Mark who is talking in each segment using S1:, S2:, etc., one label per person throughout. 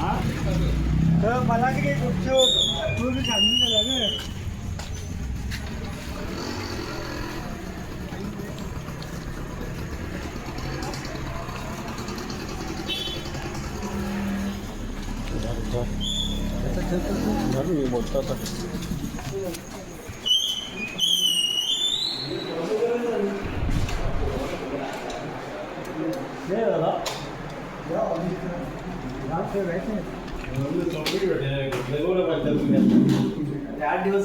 S1: तर मला काही सांगून झालं
S2: मी बोलतो आता
S1: आठ दिवस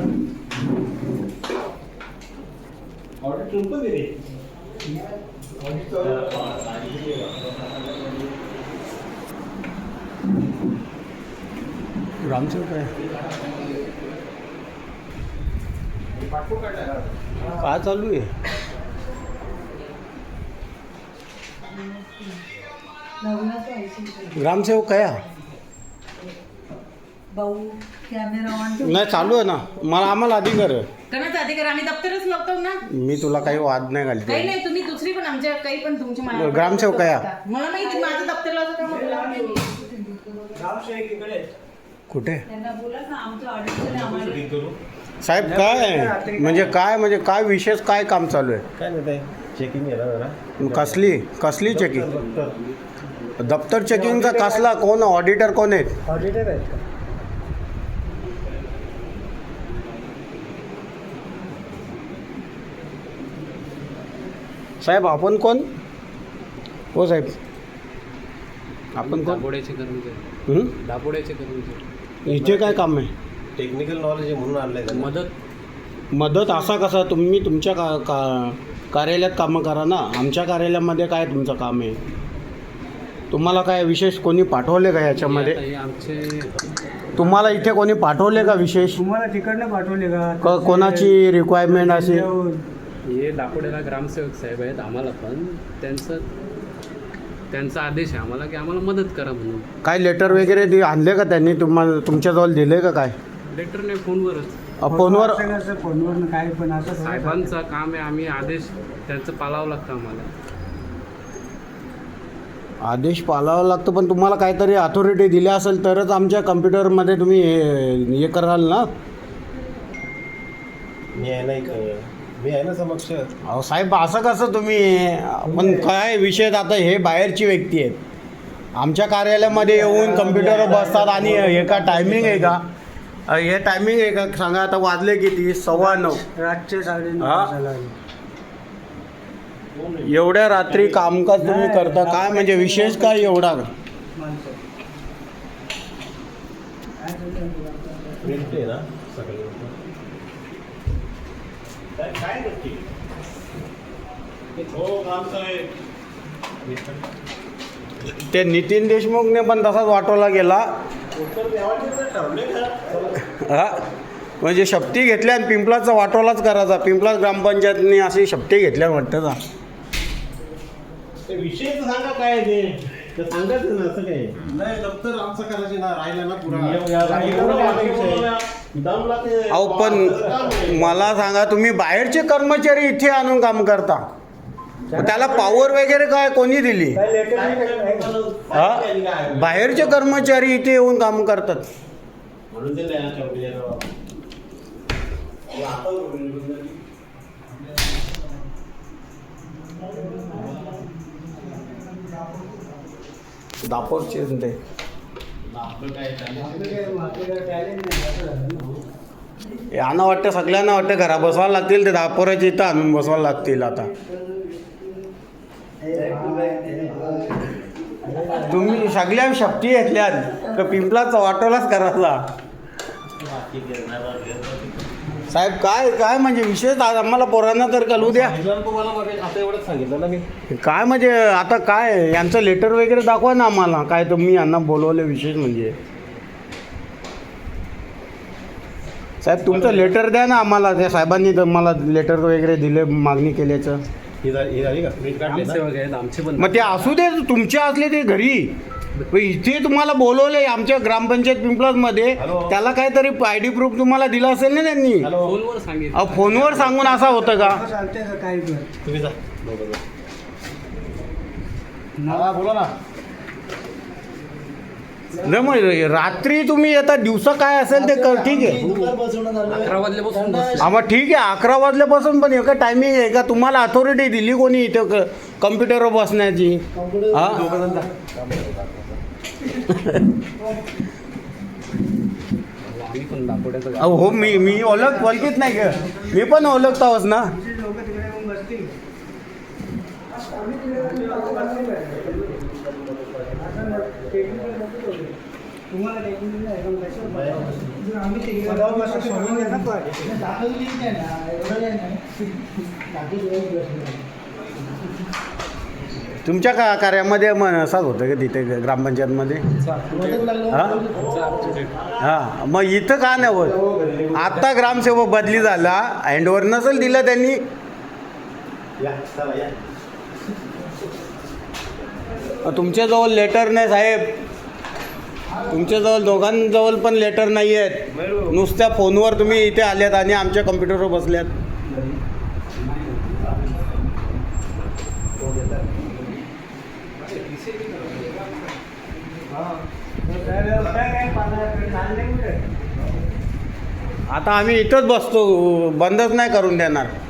S1: ऑर्डर ठेवून पण दिले
S2: ग्रामसेवक आहे काय चालू आहे ग्रामसेवक काय
S3: भाऊ कॅमेरा ऑन
S2: नाही चालू आहे ना मला आम्हाला अधिकार आहे
S4: कोणाचा अधिकार आम्ही दप्तरच लागतो ना
S2: मी तुला काही वाद नाही
S4: काही
S2: घालते
S4: नाही तुम्ही दुसरी पण आमच्या काही पण तुमची
S2: ग्रामसेवक काय
S4: मला माहिती माझं दप्तरला काम
S2: कुठे
S3: त्यांना बोला ना आमचं ऑडिट आम्हाला
S2: साहेब काय काय विशेष काय काम चालू आहे
S5: काय नाही चेकिंग आहे ना जरा
S2: कसली चेकिंग दप्तर चेकिंगचा कसला कोण ऑडिटर कोण आहेत
S1: ऑडिटर आहेत का
S2: साहेब आपण कोण हो साहेब आपण कोण
S6: दापोड्याचे कर्मचारी
S2: हं?
S6: दापोड्याचे कर्मचारी
S2: इथे काय काम आहे
S5: टेक्निकल नॉलेज आहे म्हणून आणलंय त्यांना.
S2: मदत असा कसा तुम्ही तुमच्या कार्यालयात कामं करा ना आमच्या कार्यालयामध्ये काय तुमचं काम आहे तुम्हाला काय विशेष कोणी पाठवले का याच्यामध्ये
S6: आता हे आमचे
S2: तुम्हाला इथे कोणी पाठवले का विशेष
S1: तुम्हाला तिकडनं पाठवले का
S2: कोणाची रिक्वायरमेंट असेल
S6: हे दापोड्याला ग्रामसेवक साहेब आहेत आम्हाला पण त्यांचा आदेश आहे आम्हाला की आम्हाला मदत करा म्हणून
S2: काय लेटर वगैरे आणले का त्यांनी तुम्हाला तुमच्याजवळ दिले का काय
S6: लेटर नाही फोनवरच
S2: फोनवर
S1: फोनवर काय पण असं
S6: साहेबांचं काम आहे आम्ही आदेश त्यांचं पाळावं लागतं आम्हाला
S2: आदेश पाळावा लागतो पण तुम्हाला काहीतरी अथॉरिटी दिली असेल तरच आमच्या कम्प्युटरमध्ये तुम्ही हे कराल ना
S5: मी आहे ना समक्ष
S2: अहो साहेब असं कसं तुम्ही पण काय विषय आता हे बाहेरची व्यक्ती आहेत आमच्या कार्यालयामध्ये येऊन कम्प्युटरवर बसतात आणि हे का टायमिंग आहे का हे टायमिंग आहे का सांगा आता वाजले किती 9:15
S1: रातचे 9:30
S2: हा?
S1: झाला
S2: एवढ्या रात्री कामकाज तुम्ही करता काय म्हणजे विशेष काय एवढा
S1: माणसं
S5: प्रिंट आहे ना सकाळी
S2: काय नक्की हो ते नितीन देशमुखने पण तसाच वाटवला गेला हा म्हणजे शपथी घेतल्या आणि पिंपलाचा वाटोलाच करायचा पिंपलाच ग्रामपंचायतनी अशी शपथी घेतल्या वाटतं का
S5: विषय सांगा काय ते सांगायचं ना असं काय नाही दप्तर आमचं करायचं ना राहिलं ना पुरा
S2: अहो पण मला सांगा तुम्ही बाहेरचे कर्मचारी इथे आणून काम करता त्याला पॉवर वगैरे काय कोणी दिली
S1: काय लेटर नाही
S2: हा बाहेरचे कर्मचारी इथे येऊन काम करतात
S5: म्हणून ते
S2: दापोरचे ते यांना वाटतं सगळ्यांना वाटतं घरा बसवायला लागतील ते दापोराचे इथं आणून बसवायला लागतील आता तुम्ही सगळ्या शक्ती घेतल्यात का पिंपलाचा वाटोलाच करायचा साहेब काय काय म्हणजे विशेष आम्हाला पोरांना तर कळू द्या
S5: तुम्हाला आता एवढंच सांगितलं ना मी
S2: काय म्हणजे आता काय यांचं लेटर वगैरे दाखवा ना आम्हाला काय तुम्ही यांना बोलवलं विशेष म्हणजे साहेब तुमचं लेटर द्या ना आम्हाला त्या साहेबांनी तर मला लेटर वगैरे दिले मागणी केल्याचं
S5: ही झाली का प्रिंट काढली ना?
S6: ग्रामसेवक आहेत आमचे पण
S2: मग ते असू दे तुमचे असले ते घरी पण इथे तुम्हाला बोलवलंय आमच्या ग्रामपंचायत पिंपळासमध्ये त्याला काहीतरी आय.डी. प्रूफ तुम्हाला दिला असेल ना त्यांनी
S6: फोनवर सांगितलं
S2: अहो फोनवर सांगून असं होतं का
S1: चालते का काही पण
S5: तुम्ही जा बोला ना
S2: नाही मग रात्री तुम्ही येता, दिवसा काय असेल ते ठीक आहे.
S1: दुपार बसवण्यात आलं.
S6: 11 वाजल्यापासून बसतो.
S2: हा मग ठीक आहे, 11 वाजल्यापासून पण एका टायमिंग आहे का? तुम्हाला अथॉरिटी दिली कोणी इथं कम्प्युटरवर बसण्याची?
S1: कॉम्प्युटर
S2: हा
S6: आम्ही पण दापोड्याचं गाव.
S2: अहो, हो मी ओळखीत नाही का? मी पण ओळखतावच ना.
S1: लोक तिकडे येऊन बसतील. तुम्हाला टेक्निकल नाही पण जर आम्ही टेक्निकल बसतो सोडून द्या ना पण दाखल लिंक आहे ना एवढं नाही दाखल.
S2: तुमच्या कार्यामध्ये मग असंच होतं का तिथे ग्रामपंचायतमध्ये? हा हां, मग इथं का नाही होत? आत्ता ग्रामसेवक बदली झाला, हँडओव्हर नसेल दिलं त्यांनी. तुमच्याजवळ लेटर नाही साहेब, तुमच्याजवळ दोघांजवळ पण लेटर नाही आहेत. नुसत्या फोनवर तुम्ही इथे आल्यात आणि आमच्या कम्प्युटरवर बसल्यात. आता आम्ही इथंच बसतो, बंदच नाही करून देणार.